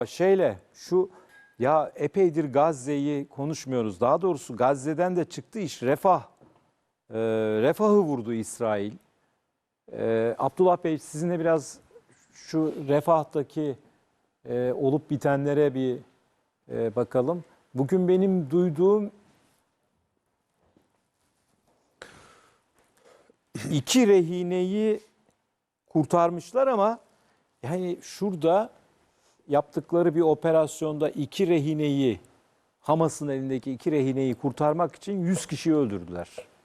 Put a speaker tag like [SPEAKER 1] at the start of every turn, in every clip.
[SPEAKER 1] Şeyle şu ya epeydir Gazze'yi konuşmuyoruz. Daha doğrusu Gazze'den de çıktı iş Refah. Refah'ı vurdu İsrail. Abdullah Bey sizinle biraz şu Refah'taki olup bitenlere bir bakalım. Bugün benim duyduğum 2 rehineyi kurtarmışlar ama yani şurada yaptıkları bir operasyonda 2 rehineyi, Hamas'ın elindeki 2 rehineyi kurtarmak için 100 kişiyi öldürdüler.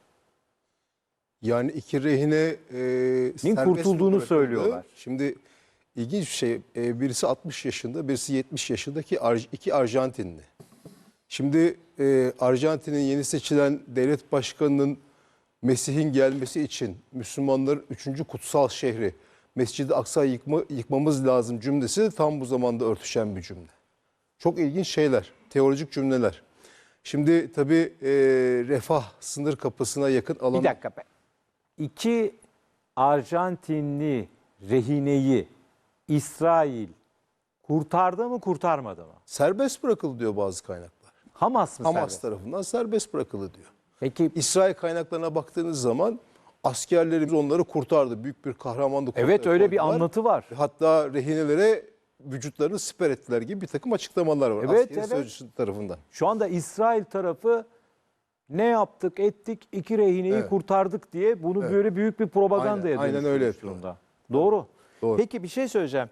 [SPEAKER 2] Yani 2 rehine serbest
[SPEAKER 1] kurtulduğunu
[SPEAKER 2] bırakıldı.
[SPEAKER 1] söylüyorlar.
[SPEAKER 2] Şimdi ilginç bir şey. Birisi 60 yaşında, birisi 70 yaşındaki iki Arjantinli. Şimdi Arjantin'in yeni seçilen devlet başkanının Mesih'in gelmesi için Müslümanların 3. kutsal şehri Mescid-i Aksa'yı yıkmamız lazım cümlesi de tam bu zamanda örtüşen bir cümle. Çok ilginç şeyler, teolojik cümleler. Şimdi tabii Refah sınır kapısına yakın alan...
[SPEAKER 1] Bir dakika. 2 Arjantinli rehineyi İsrail kurtardı mı kurtarmadı mı?
[SPEAKER 2] Serbest bırakıldı diyor bazı kaynaklar.
[SPEAKER 1] Hamas mı
[SPEAKER 2] Hamas
[SPEAKER 1] serbest?
[SPEAKER 2] tarafından serbest bırakıldı diyor.
[SPEAKER 1] Peki
[SPEAKER 2] İsrail kaynaklarına baktığınız zaman askerlerimiz onları kurtardı. Büyük bir kahramanlık.
[SPEAKER 1] evet öyle bir anlatı var.
[SPEAKER 2] Hatta rehinelere vücutlarını siper ettiler gibi bir takım açıklamalar var.
[SPEAKER 1] Evet,
[SPEAKER 2] Askeri
[SPEAKER 1] evet.
[SPEAKER 2] sözcüsü tarafından.
[SPEAKER 1] Şu anda İsrail tarafı ne yaptık ettik 2 rehineyi
[SPEAKER 2] Evet.
[SPEAKER 1] kurtardık diye bunu böyle büyük bir propagandaya
[SPEAKER 2] Aynen öyle
[SPEAKER 1] dönüştürmüş
[SPEAKER 2] yapıyorlar.
[SPEAKER 1] durumda. Doğru.
[SPEAKER 2] Doğru.
[SPEAKER 1] Peki bir şey söyleyeceğim.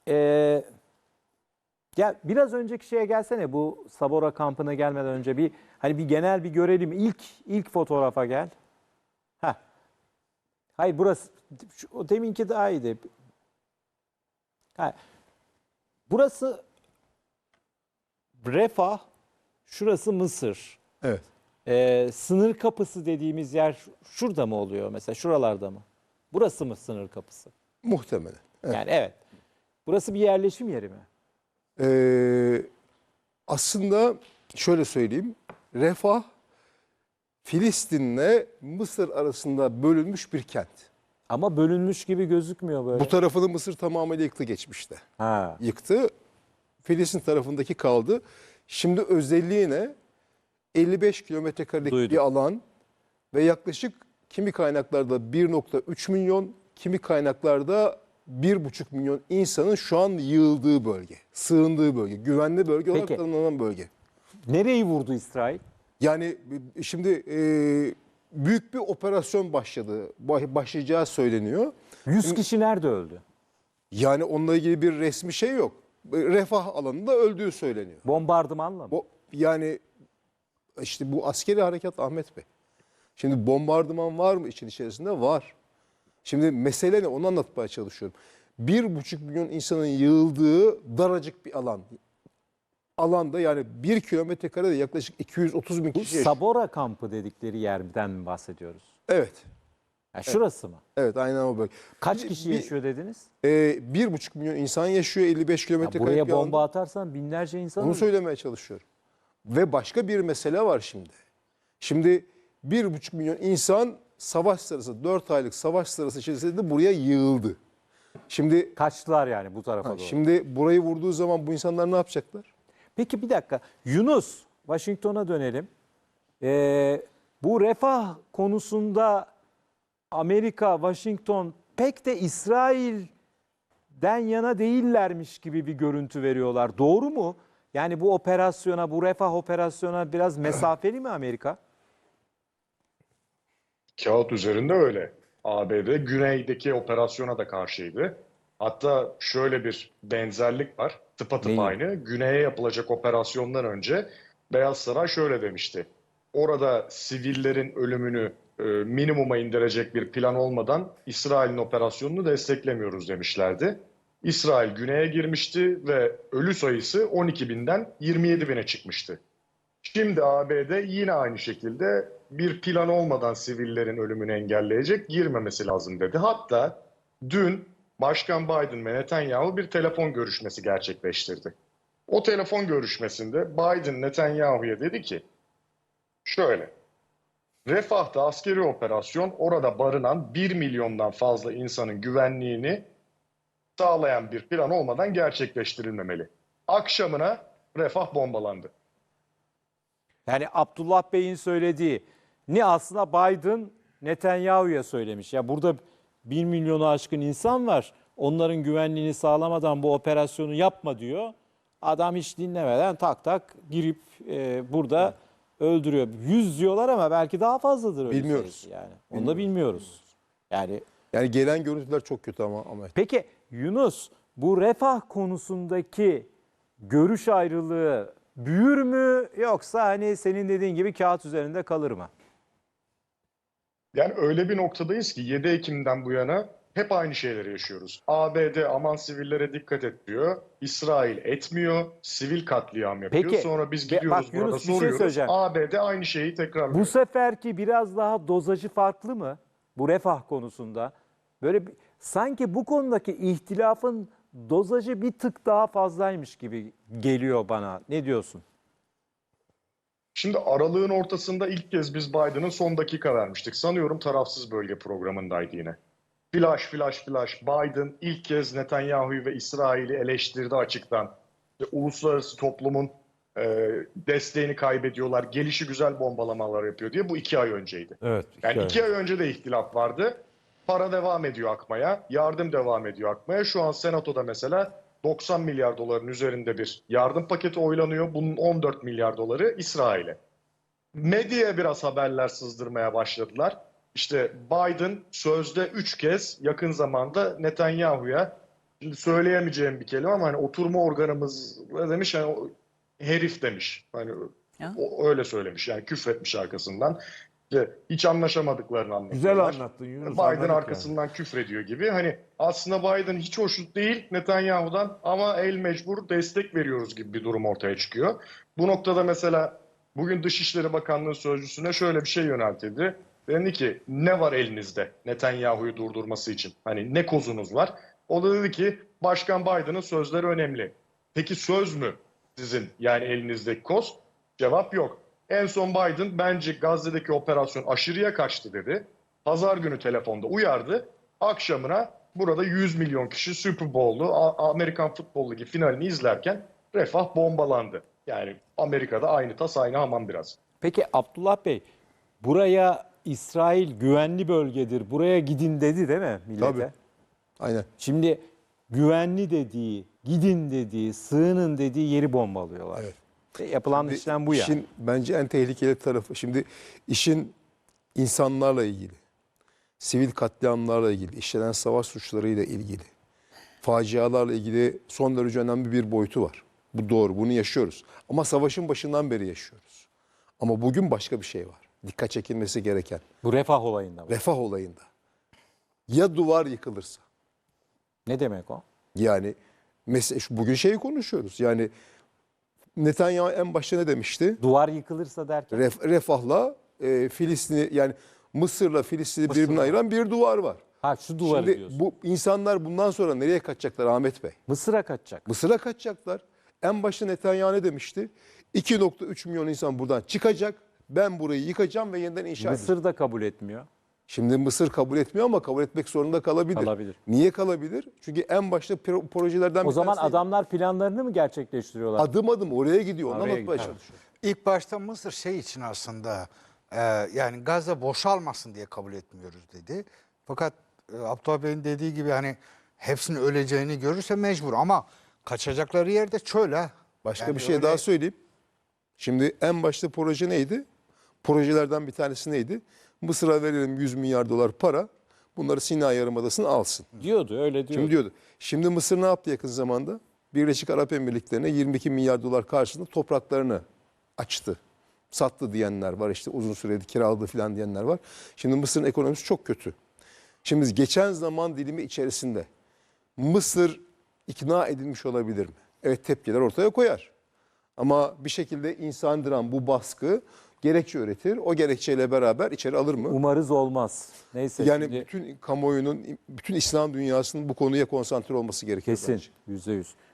[SPEAKER 1] Gel biraz önceki şeye gelsene, bu Sabora kampına gelmeden önce bir hani bir genel bir görelim. İlk fotoğrafa gel. Heh. Hayır burası o deminki daha iyiydi. Ha. Burası Refah, şurası Mısır.
[SPEAKER 2] Evet.
[SPEAKER 1] Sınır kapısı dediğimiz yer şurada mı oluyor mesela, şuralarda mı? Burası mı sınır kapısı?
[SPEAKER 2] Muhtemelen. Evet.
[SPEAKER 1] Yani evet. Burası bir yerleşim yeri mi?
[SPEAKER 2] Aslında şöyle söyleyeyim. Refah Filistin'le Mısır arasında bölünmüş bir kent.
[SPEAKER 1] Ama bölünmüş gibi gözükmüyor böyle.
[SPEAKER 2] Bu tarafını Mısır tamamıyla yıktı geçmişte.
[SPEAKER 1] Ha.
[SPEAKER 2] Yıktı. Filistin tarafındaki kaldı. Şimdi özelliği ne? 55 kilometre karelik
[SPEAKER 1] Duydum.
[SPEAKER 2] bir alan ve yaklaşık kimi kaynaklarda 1,3 milyon, kimi kaynaklarda 1,5 milyon insanın şu an yığıldığı bölge, sığındığı bölge, güvenli bölge olarak
[SPEAKER 1] Peki.
[SPEAKER 2] tanımlanan bölge.
[SPEAKER 1] Nereyi vurdu İsrail?
[SPEAKER 2] Yani şimdi büyük bir operasyon başlayacağı söyleniyor.
[SPEAKER 1] 100 kişi nerede öldü?
[SPEAKER 2] Yani onunla ilgili bir resmi şey yok. Refah alanında öldüğü söyleniyor.
[SPEAKER 1] Bombardımanla mı?
[SPEAKER 2] Yani işte bu askeri harekat Ahmet Bey. Şimdi bombardıman var mı için içerisinde? Var. Şimdi mesele ne? Onu anlatmaya çalışıyorum. 1,5 milyon insanın yığıldığı daracık bir alan. Alanda yani 1 kilometre karede yaklaşık 230 bin
[SPEAKER 1] Bu
[SPEAKER 2] kişi yaşıyor.
[SPEAKER 1] Sabora kampı dedikleri yerden mi bahsediyoruz?
[SPEAKER 2] Evet.
[SPEAKER 1] Yani şurası mı?
[SPEAKER 2] Evet aynen o bölge.
[SPEAKER 1] Kaç kişi yaşıyor dediniz?
[SPEAKER 2] 1,5 milyon insan yaşıyor 55 kilometre
[SPEAKER 1] Ya
[SPEAKER 2] karelik
[SPEAKER 1] buraya
[SPEAKER 2] bir alanda.
[SPEAKER 1] bomba atarsan binlerce insan
[SPEAKER 2] Onu
[SPEAKER 1] ölür.
[SPEAKER 2] söylemeye çalışıyorum. Ve başka bir mesele var şimdi. Şimdi 1,5 milyon insan savaş sırası, 4 aylık savaş sırası içerisinde buraya yığıldı. Şimdi
[SPEAKER 1] Kaçtılar yani bu tarafa doğru.
[SPEAKER 2] şimdi burayı vurduğu zaman bu insanlar ne yapacaklar?
[SPEAKER 1] Peki bir dakika. Yunus, Washington'a dönelim. Bu refah konusunda Amerika, Washington pek de İsrail'den yana değillermiş gibi bir görüntü veriyorlar. Doğru mu? Yani bu operasyona, bu refah operasyona biraz mesafeli mi Amerika?
[SPEAKER 3] Kağıt üzerinde öyle. ABD güneydeki operasyona da karşıydı. Hatta şöyle bir benzerlik var. Tıpatıp
[SPEAKER 1] Neyi?
[SPEAKER 3] aynı. Güney'e yapılacak operasyondan önce Beyaz Saray şöyle demişti. Orada sivillerin ölümünü minimuma indirecek bir plan olmadan İsrail'in operasyonunu desteklemiyoruz demişlerdi. İsrail güneye girmişti ve ölü sayısı 12 binden 27 bine çıkmıştı. Şimdi ABD yine aynı şekilde bir plan olmadan sivillerin ölümünü engelleyecek, girmemesi lazım dedi. Hatta dün Başkan Biden ve Netanyahu bir telefon görüşmesi gerçekleştirdi. O telefon görüşmesinde Biden Netanyahu'ya dedi ki, şöyle, Refah'ta askeri operasyon orada barınan 1 milyondan fazla insanın güvenliğini sağlayan bir plan olmadan gerçekleştirilmemeli. Akşamına Refah bombalandı.
[SPEAKER 1] Yani Abdullah Bey'in söylediği ni aslında Biden Netanyahu'ya söylemiş. Ya burada 1 milyonu aşkın insan var. Onların güvenliğini sağlamadan bu operasyonu yapma diyor. Adam hiç dinlemeden tak tak girip burada öldürüyor. 100 diyorlar ama belki daha fazladır öyle
[SPEAKER 2] Bilmiyoruz.
[SPEAKER 1] sayısı yani. Onu da bilmiyoruz. Yani
[SPEAKER 2] gelen görüntüler çok kötü ama.
[SPEAKER 1] peki Yunus, bu refah konusundaki görüş ayrılığı büyür mü yoksa hani senin dediğin gibi kağıt üzerinde kalır mı?
[SPEAKER 3] Yani öyle bir noktadayız ki 7 Ekim'den bu yana hep aynı şeyleri yaşıyoruz. ABD aman sivillere dikkat et diyor. İsrail etmiyor. Sivil katliam yapıyor.
[SPEAKER 1] Peki,
[SPEAKER 3] Sonra biz
[SPEAKER 1] bak
[SPEAKER 3] gidiyoruz
[SPEAKER 1] Yunus,
[SPEAKER 3] burada
[SPEAKER 1] bir şey
[SPEAKER 3] soruyoruz.
[SPEAKER 1] söyleyeceğim.
[SPEAKER 3] ABD aynı şeyi tekrarlıyor.
[SPEAKER 1] Bu seferki biraz daha dozajı farklı mı bu refah konusunda? Böyle sanki bu konudaki ihtilafın dozajı bir tık daha fazlaymış gibi geliyor bana. Ne diyorsun?
[SPEAKER 3] Şimdi aralığın ortasında ilk kez biz Biden'ın son dakika vermiştik. Sanıyorum tarafsız bölge programındaydı yine. Flash flash flash. Biden ilk kez Netanyahu'yu ve İsrail'i eleştirdi açıktan. İşte uluslararası toplumun desteğini kaybediyorlar. Gelişigüzel bombalamalar yapıyor diye. Bu 2 ay önceydi.
[SPEAKER 1] Evet.
[SPEAKER 3] Yani 2 ay önce de ihtilaf vardı. Para devam ediyor akmaya. Yardım devam ediyor akmaya. Şu an Senato'da mesela 90 milyar doların üzerinde bir yardım paketi oylanıyor. Bunun 14 milyar doları İsrail'e. Medyaya biraz haberler sızdırmaya başladılar. İşte Biden sözde 3 kez yakın zamanda Netanyahu'ya, şimdi söyleyemeyeceğim bir kelime ama hani oturma organımız demiş, hani herif demiş. Hani o öyle söylemiş. Yani küfretmiş arkasından. İşte hiç anlaşamadıklarını anlatıyorlar.
[SPEAKER 4] Güzel anlattın Yunus.
[SPEAKER 3] Biden
[SPEAKER 4] anladık
[SPEAKER 3] arkasından küfrediyor gibi. Hani aslında Biden hiç hoşnut değil Netanyahu'dan ama el mecbur destek veriyoruz gibi bir durum ortaya çıkıyor. Bu noktada mesela bugün Dışişleri Bakanlığı Sözcüsü'ne şöyle bir şey yöneltildi. Dedi ki ne var elinizde Netanyahu'yu durdurması için? Hani ne kozunuz var? O da dedi ki Başkan Biden'ın sözleri önemli. Peki söz mü sizin yani elinizdeki koz? Cevap yok. En son Biden bence Gazze'deki operasyon aşırıya kaçtı dedi. Pazar günü telefonda uyardı. Akşamına burada 100 milyon kişi Super Bowl'u, Amerikan Futbol Ligi finalini izlerken Refah bombalandı. Yani Amerika'da aynı tas aynı hamam biraz.
[SPEAKER 1] Peki Abdullah Bey, buraya İsrail güvenli bölgedir, buraya gidin dedi değil mi millete?
[SPEAKER 2] Tabii. Aynen.
[SPEAKER 1] Şimdi güvenli dediği, gidin dediği, sığının dediği yeri bombalıyorlar.
[SPEAKER 2] Evet.
[SPEAKER 1] Yapılan işlem bu yani.
[SPEAKER 2] İşin bence en tehlikeli tarafı. Şimdi işin insanlarla ilgili, sivil katliamlarla ilgili, işlenen savaş suçlarıyla ilgili, facialarla ilgili son derece önemli bir boyutu var. Bu doğru, bunu yaşıyoruz. Ama savaşın başından beri yaşıyoruz. Ama bugün başka bir şey var. Dikkat çekilmesi gereken.
[SPEAKER 1] Bu refah olayında mı?
[SPEAKER 2] Refah olayında. Ya duvar yıkılırsa?
[SPEAKER 1] Ne demek o?
[SPEAKER 2] Yani mesela bugün şeyi konuşuyoruz. Yani Netanyahu en başta ne demişti?
[SPEAKER 1] Duvar yıkılırsa derken?
[SPEAKER 2] Refah'la Filistin'i, yani Mısır'la Filistin'i birbirine ayıran bir duvar var.
[SPEAKER 1] Ha, şu duvarı
[SPEAKER 2] Şimdi
[SPEAKER 1] diyorsun.
[SPEAKER 2] bu insanlar bundan sonra nereye kaçacaklar Ahmet Bey?
[SPEAKER 1] Mısır'a kaçacak.
[SPEAKER 2] Mısır'a kaçacaklar. En başta Netanyahu ne demişti? 2,3 milyon insan buradan çıkacak. Ben burayı yıkacağım ve yeniden inşa edeceğim.
[SPEAKER 1] Mısır da kabul etmiyor.
[SPEAKER 2] Şimdi Mısır kabul etmiyor ama kabul etmek zorunda kalabilir.
[SPEAKER 1] Kalabilir.
[SPEAKER 2] Niye kalabilir? Çünkü en başta projelerden
[SPEAKER 1] O
[SPEAKER 2] bir
[SPEAKER 1] zaman
[SPEAKER 2] tanesiydi.
[SPEAKER 1] adamlar planlarını mı gerçekleştiriyorlar?
[SPEAKER 2] Adım adım oraya gidiyor. Onu
[SPEAKER 1] Oraya
[SPEAKER 2] anlatmaya
[SPEAKER 1] gidiyor.
[SPEAKER 2] çalışıyor.
[SPEAKER 4] İlk başta Mısır şey için aslında yani Gazze boşalmasın diye kabul etmiyoruz dedi. Fakat Abdullah Bey'in dediği gibi hani hepsinin öleceğini görürse mecbur ama kaçacakları yerde çöl.
[SPEAKER 2] Başka
[SPEAKER 4] Yani
[SPEAKER 2] bir şey
[SPEAKER 4] öyle-
[SPEAKER 2] daha söyleyeyim. Şimdi en başta proje neydi? Projelerden bir tanesi neydi? Mısır'a verelim 100 milyar dolar para. Bunları Sinay Yarımadası'na alsın.
[SPEAKER 1] Diyordu, öyle diyordu.
[SPEAKER 2] Şimdi diyordu. Şimdi Mısır ne yaptı yakın zamanda? Birleşik Arap Emirlikleri'ne 22 milyar dolar karşılığında topraklarını açtı. Sattı diyenler var, işte uzun süredir kiraladı falan diyenler var. Şimdi Mısır'ın ekonomisi çok kötü. Şimdi geçen zaman dilimi içerisinde Mısır ikna edilmiş olabilir mi? Evet, tepkiler ortaya koyar. Ama bir şekilde insandıran bu baskı gerekçe üretir. O gerekçeyle beraber içeri alır mı?
[SPEAKER 1] Umarız olmaz. Neyse
[SPEAKER 2] Yani
[SPEAKER 1] şimdi
[SPEAKER 2] bütün kamuoyunun, bütün İslam dünyasının bu konuya konsantre olması gerekiyor
[SPEAKER 1] kesin
[SPEAKER 2] bence.
[SPEAKER 1] %100.